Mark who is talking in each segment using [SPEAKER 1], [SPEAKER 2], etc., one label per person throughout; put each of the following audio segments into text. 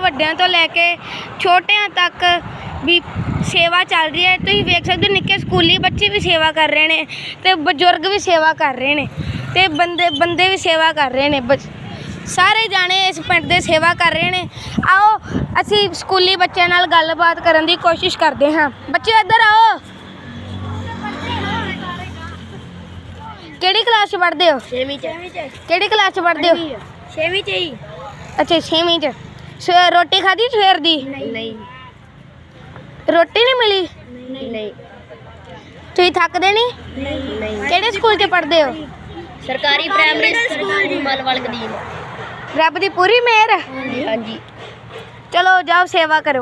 [SPEAKER 1] ਵੱਡਿਆਂ ਤੋਂ ਲੈ ਕੇ ਛੋਟਿਆਂ ਤੱਕ ਵੀ ਸੇਵਾ ਚੱਲ ਰਹੀ ਹੈ। ਤੁਸੀਂ ਵੇਖ ਸਕਦੇ ਹੋ ਨਿੱਕੇ ਸਕੂਲੀ ਬੱਚੇ ਵੀ ਸੇਵਾ ਕਰ ਰਹੇ ਨੇ ਅਤੇ ਬਜ਼ੁਰਗ ਵੀ ਸੇਵਾ ਕਰ ਰਹੇ ਨੇ ਅਤੇ ਬੰਦੇ ਵੀ ਸੇਵਾ ਕਰ ਰਹੇ ਨੇ। ਸਾਰੇ ਜਾਣੇ ਇਸ ਪਿੰਡ ਦੇ ਸੇਵਾ ਕਰ ਰਹੇ ਨੇ। ਆਓ ਅਸੀਂ ਸਕੂਲੀ ਬੱਚਿਆਂ ਨਾਲ ਗੱਲਬਾਤ ਕਰਨ ਦੀ ਕੋਸ਼ਿਸ਼ ਕਰਦੇ ਹਾਂ। ਬੱਚੇ ਇੱਧਰ ਆਓ। ਕਿਹੜੀ ਕਲਾਸ 'ਚ ਪੜ੍ਹਦੇ ਹੋ?
[SPEAKER 2] 6ਵੀਂ 'ਚ।
[SPEAKER 1] ਕਿਹੜੀ ਕਲਾਸ 'ਚ ਪੜ੍ਹਦੇ ਹੋ?
[SPEAKER 2] 6ਵੀਂ 'ਚ ਹੀ।
[SPEAKER 1] ਅੱਛਾ 6ਵੀਂ 'ਚ। ਰੋਟੀ ਖਾਧੀ ਸਵੇਰ ਦੀ?
[SPEAKER 2] ਨਹੀਂ
[SPEAKER 1] ਰੋਟੀ ਨਹੀਂ ਮਿਲੀ?
[SPEAKER 2] ਨਹੀਂ
[SPEAKER 1] ਤੁਸੀਂ ਥੱਕਦੇ ਨਹੀਂ?
[SPEAKER 2] ਨਹੀਂ।
[SPEAKER 1] ਕਿਹੜੇ ਸਕੂਲ 'ਚ ਪੜ੍ਹਦੇ ਹੋ?
[SPEAKER 2] ਸਰਕਾਰੀ ਪ੍ਰਾਇਮਰੀ ਸਕੂਲ ਮਲਵਲ ਕਦੀਮ।
[SPEAKER 1] ਰੱਬ ਦੀ ਪੂਰੀ ਮਿਹਰ ਹੈ।
[SPEAKER 2] ਹਾਂਜੀ।
[SPEAKER 1] ਚਲੋ ਜਾਓ ਸੇਵਾ ਕਰੋ।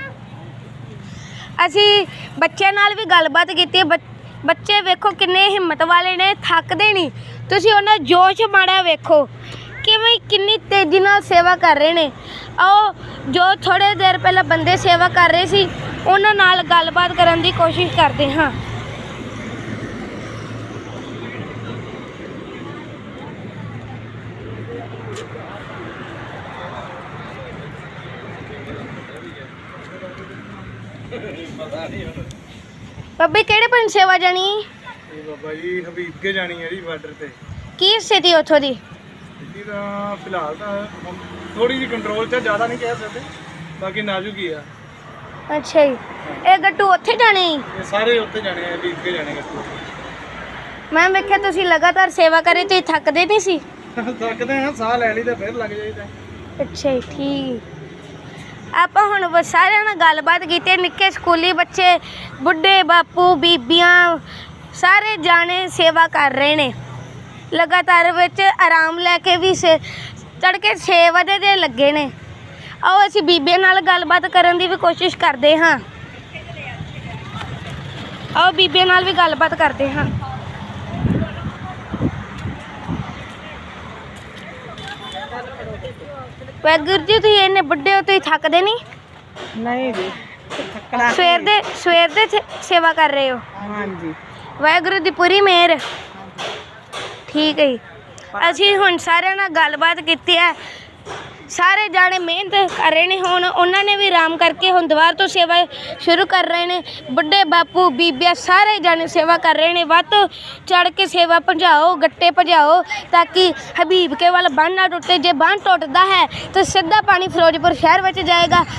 [SPEAKER 1] ਅਸੀਂ ਬੱਚਿਆਂ ਨਾਲ ਵੀ ਗੱਲਬਾਤ ਕੀਤੀ ਹੈ। ਬੱਚੇ ਵੇਖੋ ਕਿੰਨੇ ਹਿੰਮਤ ਵਾਲੇ ਨੇ, ਥੱਕਦੇ ਨਹੀਂ। ਤੁਸੀਂ ਉਹਨਾਂ ਦਾ ਜੋਸ਼ ਮਾੜਾ ਵੇਖੋ ਕਿਵੇਂ ਕਿੰਨੀ ਤੇਜ਼ੀ ਨਾਲ ਸੇਵਾ ਕਰ ਰਹੇ ਨੇ। ਆਓ ਜੋ ਥੋੜ੍ਹੇ ਦੇਰ ਪਹਿਲਾਂ ਬੰਦੇ ਸੇਵਾ ਕਰ ਰਹੇ ਸੀ ਉਹਨਾਂ ਨਾਲ ਗੱਲਬਾਤ ਕਰਨ ਦੀ ਕੋਸ਼ਿਸ਼ ਕਰਦੇ ਹਾਂ। ਬਾਬੇ ਕਿਹੜੇ ਪਿੰਡ ਸੇਵਾ ਜਾਣੀ?
[SPEAKER 3] ਬਾਬਾ ਜੀ ਹਬੀਬ ਕੇ ਜਾਣੀ ਹੈ ਜੀ ਬਾਰਡਰ ਤੇ।
[SPEAKER 1] ਕੀ ਸਥਿਤੀ ਉੱਥੋਂ ਦੀ?
[SPEAKER 3] ਸਥਿਤੀ ਤਾਂ ਫਿਲਹਾਲ ਤਾਂ ਥੋੜੀ ਜਿਹੀ ਕੰਟਰੋਲ 'ਚ, ਜ਼ਿਆਦਾ ਨਹੀਂ ਕਹਿ ਸਕਦੇ, ਬਾਕੀ ਨਾਜ਼ੁਕ ਹੀ ਆ।
[SPEAKER 1] ਅੱਛਾ ਜੀ। ਇਹ ਗੱਟੂ ਉੱਥੇ ਜਾਣੇ ਜੀ?
[SPEAKER 3] ਇਹ ਸਾਰੇ ਉੱਤੇ ਜਾਣੇ ਆ, ਹਬੀਬ ਕੇ ਜਾਣੇ ਗੱਟੂ।
[SPEAKER 1] ਮੈਂ ਵੇਖਿਆ ਤੁਸੀਂ ਲਗਾਤਾਰ ਸੇਵਾ ਕਰੇ ਤੇ ਥੱਕਦੇ ਨਹੀਂ ਸੀ?
[SPEAKER 3] ਥੱਕਦੇ ਹਾਂ, ਸਾਹ ਲੈ ਲਈ ਤਾਂ ਫਿਰ ਲੱਗ ਜਾਈਦਾ।
[SPEAKER 1] ਅੱਛਾ ਜੀ, ਠੀਕ। ਆਪਾਂ ਹੁਣ ਸਾਰਿਆਂ ਨਾਲ ਗੱਲਬਾਤ ਕੀਤੀ। ਨਿੱਕੇ ਸਕੂਲੀ ਬੱਚੇ, ਬੁੱਢੇ, ਬਾਪੂ, ਬੀਬੀਆਂ ਸਾਰੇ ਜਾਣੇ ਸੇਵਾ ਕਰ ਰਹੇ ਨੇ। ਲਗਾਤਾਰ ਵਿੱਚ ਆਰਾਮ ਲੈ ਕੇ ਵੀ ਤੜਕੇ 6 ਵਜੇ ਦੇ ਲੱਗੇ ਨੇ। ਆਓ ਅਸੀਂ ਬੀਬੀਆਂ ਨਾਲ ਗੱਲਬਾਤ ਕਰਨ ਦੀ ਵੀ ਕੋਸ਼ਿਸ਼ ਕਰਦੇ ਹਾਂ। ਆਓ ਬੀਬੀਆਂ ਨਾਲ ਵੀ ਗੱਲਬਾਤ ਕਰਦੇ ਹਾਂ। ਵਾਹਿਗੁਰੂ ਜੀ, ਤੁਸੀਂ ਇੰਨੇ ਬੁੱਢੇ ਹੋ, ਤੁਸੀਂ ਥੱਕਦੇ ਨਹੀਂ?
[SPEAKER 2] ਨਹੀਂ ਜੀ।
[SPEAKER 1] ਸਵੇਰ ਦੇ ਸੇਵਾ ਕਰ ਰਹੇ ਹੋ?
[SPEAKER 2] ਹਾਂਜੀ।
[SPEAKER 1] ਵਾਹਿਗੁਰੂ ਦੀ ਪੂਰੀ ਮਿਹਰ। ਠੀਕ ਹੈ ਜੀ। ਅਸੀਂ ਹੁਣ ਸਾਰਿਆਂ ਨਾਲ ਗੱਲਬਾਤ ਕੀਤੀ ਹੈ। ਸਾਰੇ ਜਾਣੇ ਮਿਹਨਤ ਕਰ ਰਹੇ ਨੇ। ਹੁਣ ਉਹਨਾਂ ਨੇ ਵੀ ਆਰਾਮ ਕਰਕੇ ਹੁਣ ਦੁਬਾਰਾ ਤੋਂ ਸੇਵਾ ਸ਼ੁਰੂ ਕਰ ਰਹੇ ਨੇ। ਬੁੱਢੇ, ਬਾਪੂ, ਬੀਬੀਆਂ ਸਾਰੇ ਜਾਣੇ ਸੇਵਾ ਕਰ ਰਹੇ ਨੇ। ਵੱਧ ਤੋਂ ਚੜ੍ਹ ਕੇ ਸੇਵਾ ਭਜਾਓ, ਗੱਟੇ ਭਜਾਓ ਤਾਂ ਕਿ ਹਬੀਬ ਕੇ ਵੱਲ ਬੰਨ੍ਹ ਨਾ ਟੁੱਟੇ। ਜੇ ਬੰਨ੍ਹ ਟੁੱਟਦਾ ਹੈ ਤਾਂ ਸਿੱਧਾ ਪਾਣੀ ਫਿਰੋਜ਼ਪੁਰ ਸ਼ਹਿਰ ਵਿੱਚ ਜਾਏਗਾ